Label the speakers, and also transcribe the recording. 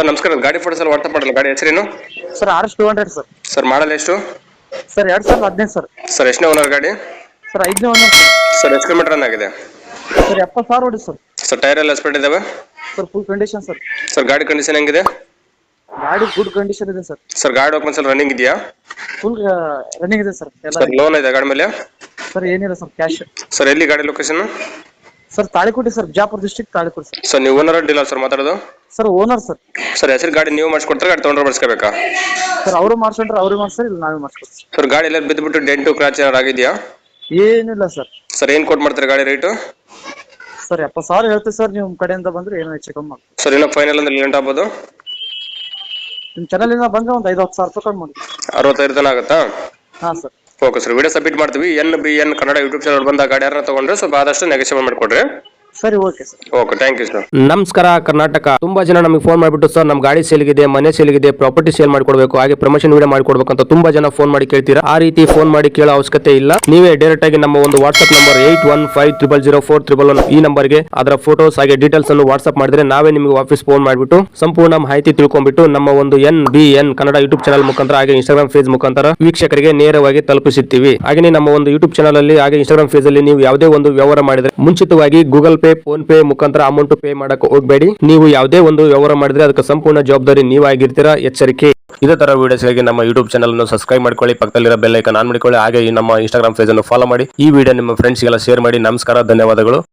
Speaker 1: Sir ನಮಸ್ಕಾರ, ಗಾಡಿ photos ಎಲ್ಲ ವಾಟ್ಸಪ್ ಮಾಡಲ್ಲ. ಗಾಡಿ ಹೆಸರೇನು
Speaker 2: sir RS 200 sir.
Speaker 1: Sir? Model ಎಷ್ಟು
Speaker 2: ಸರ್ 2015 ಸರ್.
Speaker 1: ಸರ್? ಎಷ್ಟನೇ ಓನರ್ ಗಾಡಿ
Speaker 2: ಸರ್ 5ನೇ ಓನರ್ ಸರ್.
Speaker 1: ಸರ್? ಎಷ್ಟು ಕಿಲೋಮೀಟರ್ ರನ್ ಆಗಿದೆ
Speaker 2: ಸರ್ 70,000 ಹೊಡಿ ಸರ್.
Speaker 1: ಸರ್ ಟೈರ್ ಎಲ್ಲ ಸ್ಪೀಡ್ ಇದಾವೆ
Speaker 2: sir full condition sir.
Speaker 1: Sir ಗಾಡಿ ಕಂಡೀಷನ್ ಹೆಂಗಿದೆ
Speaker 2: ಗಾಡಿ ಗುಡ್ ಕಂಡೀಷನ್ ಇದೆ ಸರ್.
Speaker 1: ಸರ್ ಗಾಡಿ ಡಾಕ್ಯುಮೆಂಟ್ಸ್ ಎಲ್ಲ ರನ್ನಿಂಗ್ ಇದೆಯಾ?
Speaker 2: ಫುಲ್ ರನ್ನಿಂಗ್ ಇದೆ ಸರ್ ಎಲ್ಲ.
Speaker 1: ಸರ್ ಲೋನ್ ಇದೆ ಗಾಡಿ ಮೇಲೆ?
Speaker 2: ಸರ್ ಏನಿಲ್ಲ ಸರ್, ಕ್ಯಾಶ್.
Speaker 1: ಸರ್ ಎಲ್ಲಿ ಗಾಡಿ location?
Speaker 2: Sir Talikote sir, Bijapur district Talikote sir.
Speaker 1: Sir ನೀವು ಓನರ್ ಡೀಲರ್ ಸರ್ ಮಾತಾಡೋದು?
Speaker 2: Sir owner sir.
Speaker 1: ಸರ್ ಹೆಸರು ಗಾಡಿ ನೀವು ಮಾಡಿಸ್ಕೊಡ್ತಾರೆ, ಗಾಡಿ ತೊಗೊಂಡ್ರೆ ಮಾಡಿಸ್ಕೋಬೇಕಾ?
Speaker 2: ಸರ್ ಅವರು ಮಾಡ್ಸ್ಕೊಂಡ್ರೆ ಅವ್ರಿಗೆ ಮಾಡ್ಸರ್, ಇಲ್ಲ ನಾವೇ ಮಾಡ್ಸ್ಕೊಡ್ತೀವಿ.
Speaker 1: ಸರ್ ಗಾಡಿ ಎಲ್ಲ ಬಿದ್ದುಬಿಟ್ಟು ಡೆಂಟು ಕ್ರಾಚ್ ಏನಾರು ಆಗಿದೆಯಾ?
Speaker 2: ಏನಿಲ್ಲ ಸರ್.
Speaker 1: ಸರ್ ಏನು ಕೊಟ್ಟು ಮಾಡ್ತಾರೆ ಗಾಡಿ ರೇಟು?
Speaker 2: ಸರ್ 70,000 ಹೇಳ್ತೀವಿ ಸರ್, ನಿಮ್ಮ ಕಡೆಯಿಂದ ಬಂದ್ರೆ ಏನೋ ಹೆಚ್ಚು ಕಮ್ಮಿ ಮಾಡಿ.
Speaker 1: ಸರ್ ಇನ್ನೂ ಫೈನಲ್ ಅಂದ್ರೆ ಲೇಟ್ ಆಗ್ಬೋದು?
Speaker 2: ನಿಮ್ಮ ಚಾನಲಿಂದ ಬಂದ್ರೆ ಒಂದು 5-10 ಸಾವಿರ ರೂಪಾಯಿ ಕಮ್ಮಿ ಮಾಡಿ.
Speaker 1: 65 ತನಕ ಆಗುತ್ತಾ?
Speaker 2: ಹಾಂ sir.
Speaker 1: Okay sir, video submit ಮಾಡ್ತೀವಿ. NBN ಕನ್ನಡ ಯೂಟ್ಯೂಬ್ ಚಾನಲ್ ಬಂದ ಗಾಡಿ ಯಾರನ್ನ ತಗೊಂಡ್ರೆ ಸ್ವಲ್ಪ ಆದಷ್ಟು ನೆಗೋಷಿಯೇಟ್ ಮಾಡಿಕೊಡ್ರಿ.
Speaker 2: ಸರಿ, okay sir.
Speaker 1: Okay, thank you sir.
Speaker 3: ನಮಸ್ಕಾರ ಕರ್ನಾಟಕ. ತುಂಬಾ ಜನ ನಮಗೆ ಫೋನ್ ಮಾಡಿಬಿಟ್ಟು ಸರ್ ನಮ್ಮ ಗಾಡಿ ಸೇಲ್ಗಿದೆ, ಮನೆ ಸೇಲ್ಗಿದೆ, ಪ್ರಾಪರ್ಟಿ ಸೇಲ್ ಮಾಡ್ಕೊಡ್ಬೇಕು, ಹಾಗೆ ಪ್ರಮೋಷನ್ ವಿಡಿಯೋ ಮಾಡ್ಕೊಡ್ಬೇಕು ಅಂತ ತುಂಬಾ ಜನ ಫೋನ್ ಮಾಡಿ ಕೇಳ್ತೀರಾ. ಆ ರೀತಿ ಫೋನ್ ಮಾಡಿ ಕೇಳೋ ಅವಶ್ಯಕತೆ ಇಲ್ಲ. ನೀವೇ ಡೈರೆಕ್ಟ್ ಆಗಿ ನಮ್ಮ ಒಂದು ವಾಟ್ಸ್ಆಪ್ ನಂಬರ್ 8150004111 ಈ ನಂಬರ್ಗೆ ಅದರ ಫೋಟೋಸ್ ಹಾಗೆ ಡೀಟೇಲ್ಸ್ ಅನ್ನು ವಾಟ್ಸ್ಆಪ್ ಮಾಡಿದ್ರೆ ನಾವೇ ನಿಮಗೆ ವಾಪಸ್ ಫೋನ್ ಮಾಡಿಬಿಟ್ಟು ಸಂಪೂರ್ಣ ಮಾಹಿತಿ ತಿಳ್ಕೊಂಡ್ಬಿಟ್ಟು ನಮ್ಮ ಒಂದು NBN ಕನ್ನಡ ಯೂಟ್ಯೂಬ್ ಚಾನಲ್ ಮುಖಾಂತರ ಹಾಗೆ ಇನ್ಸ್ಟಾಗ್ರಾಮ್ ಪೇಜ್ ಮುಖಾಂತರ ವೀಕ್ಷಕರಿಗೆ ನೇರವಾಗಿ ತಲುಪಿಸುತ್ತೀವಿ. ಹಾಗೆ ನಮ್ಮ ಒಂದು ಯೂಟ್ಯೂಬ್ ಚಾನಲ್ ಅಲ್ಲಿ ಹಾಗೆ ಇನ್ಸ್ಟಾಗ್ರಾಮ್ ಪೇಜ್ ಅಲ್ಲಿ ನೀವು ಯಾವುದೇ ಒಂದು ವ್ಯವಹಾರ ಮಾಡಿದ್ರೆ ಮುಂಚಿತವಾಗಿ ಗೂಗಲ್ ಪೇ, ಫೋನ್ ಪೇ ಮುಖಾಂತರ ಅಮೌಂಟ್ ಪೇ ಮಾಡಕ್ಕೆ ಹೋಗಬೇಡಿ. ನೀವು ಯಾವುದೇ ಒಂದು ವ್ಯವಹಾರ ಮಾಡಿದ್ರೆ ಅದಕ್ಕೆ ಸಂಪೂರ್ಣ ಜವಾಬ್ದಾರಿ ನೀವಾಗಿರ್ತೀರಾ, ಎಚ್ಚರಿಕೆ. ಇದೇ ತರ ವಿಡಿಯೋಸ್ಗಾಗಿ ನಮ್ಮ ಯೂಟ್ಯೂಬ್ ಚಾನಲ್ ಅನ್ನು ಸಬ್ಸ್ಕ್ರೈಬ್ ಮಾಡ್ಕೊಳ್ಳಿ, ಪಕ್ಕದಲ್ಲಿರೋ ಬೆಲ್ ಐಕಾನ್ ಆನ್ ಮಾಡಿಕೊಳ್ಳಿ, ಹಾಗೆ ನಮ್ಮ ಇನ್ಸ್ಟಾಗ್ರಾಮ್ ಪೇಜ್ ಅನ್ನು ಫಾಲೋ ಮಾಡಿ. ಈ ವಿಡಿಯೋ ನಿಮ್ಮ ಫ್ರೆಂಡ್ಸ್ಗೆಲ್ಲ ಶೇರ್ ಮಾಡಿ. ನಮಸ್ಕಾರ, ಧನ್ಯವಾದಗಳು.